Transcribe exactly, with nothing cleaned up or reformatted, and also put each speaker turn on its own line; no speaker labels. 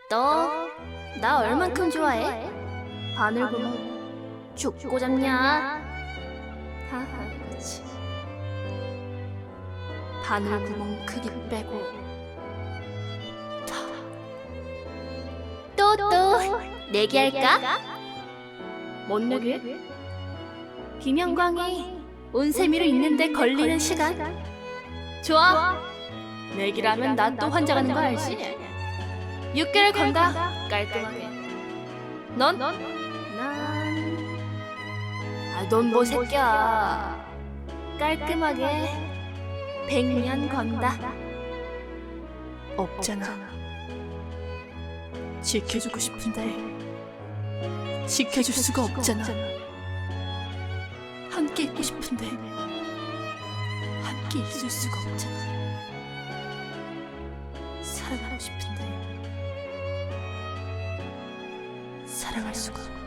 너 나 얼만큼 좋아해? 바늘구멍 죽고 잡냐? 하하, 그렇지. 바늘구멍 크기 빼고 또 또 내기할까? 뭔 내기? 비명광이 온세미로 있는데 걸리는 시간. 좋아. 내기라면 나 또 환장하는 거 알지? 육 개를 건다. 깔끔하게. 넌? 난... 아, 넌 뭐 새끼야. 깔끔하게 백 년 건다.
없잖아. 지켜주고 싶은데 지켜줄 수가 없잖아. 함께 있고 싶은데 함께 있을 수가 없잖아. 사랑하고 싶은데 사랑할 수가